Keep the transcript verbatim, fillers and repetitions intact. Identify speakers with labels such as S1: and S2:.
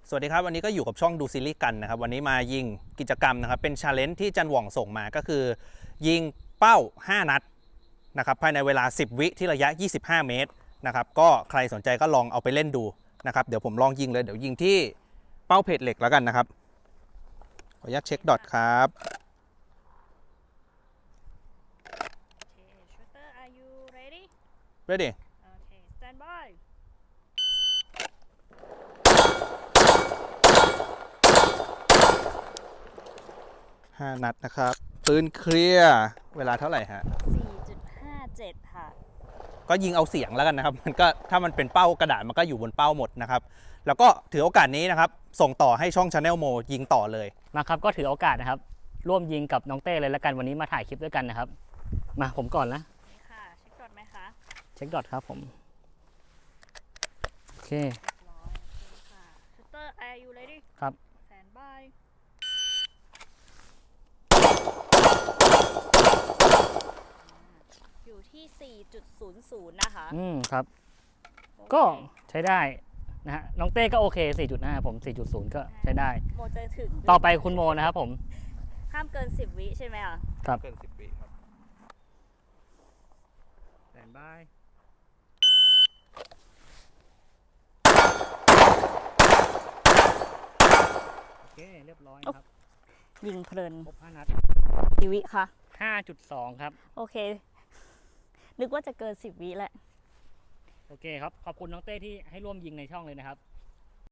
S1: สวัสดีครับวันนี้ก็อยู่กับช่องดูซีรีส์กันนะครับวันนี้มายิงกิจกรรมนะครับเป็นชาเลนจ์ที่จันหว่องส่งมาก็คือยิงเป้าห้านัดนะครับภายในเวลาสิบวิที่ระยะยี่สิบห้าเมตรนะครับก็ใครสนใจก็ลองเอาไปเล่นดูนะครับเดี๋ยวผมลองยิงเลยเดี๋ยวยิงที่เป้าเพจเหล็กแล้วกันนะครับขออนุญาตเช็คดอทครับ
S2: Okay, shooter, are you ready?
S1: ready
S2: Okay, stand by.
S1: ห้านัดนะครับปืนเคลียร์เวลาเท่าไหร่ฮะ
S2: สี่จุดห้าเจ็ด ค่ะ
S1: ก็ยิงเอาเสียงแล้วกันนะครับมันก็ถ้ามันเป็นเป้ากระดาษมันก็อยู่บนเป้าหมดนะครับแล้วก็ถือโอกาสนี้นะครับส่งต่อให้ช่อง Channel Mo ยิงต่อเลย
S3: มาครับก็ถือโอกาสนะครับร่วมยิงกับน้องเต้เลยแล้วกันวันนี้มาถ่ายคลิปด้วยกันนะครับมาผมก่อนนะ
S2: นี่ค่ะ เช็คก่อนไหมคะ
S3: เช็คดอทครับผมโอเค
S2: ร้อยโอเคค่ะ shooter, are you ready?
S3: ครับ
S2: stand by. อยู่ที่ สี่จุดศูนย์ศูนย์ นะคะ
S3: อืมครับ
S2: โอเค
S3: ก็ใช้ได้นะฮะน้องเต้ก็โอเค สี่จุดห้า ผม สี่จุดศูนย์ ก็ใช้ได้
S2: โมจะถึง
S3: ต่อไปคุณโมนะครับผม
S2: ห้ามเกิน สิบ วิใช่ไหมอ่ะ
S3: ครับ
S1: เกินสิบวิครับ
S3: แตนบายโอเคเรียบร้อยนะครับ
S2: ยิงเพลิน
S3: ครบห้านัด
S2: กี่วิคะ
S3: ห้าจุดสอง ครับ
S2: โอเค นึกว่าจะเกิน สิบ วิแหละ
S3: โอเคครับขอบคุณน้องเต้ที่ให้ร่วมยิงในช่องเลยนะครับ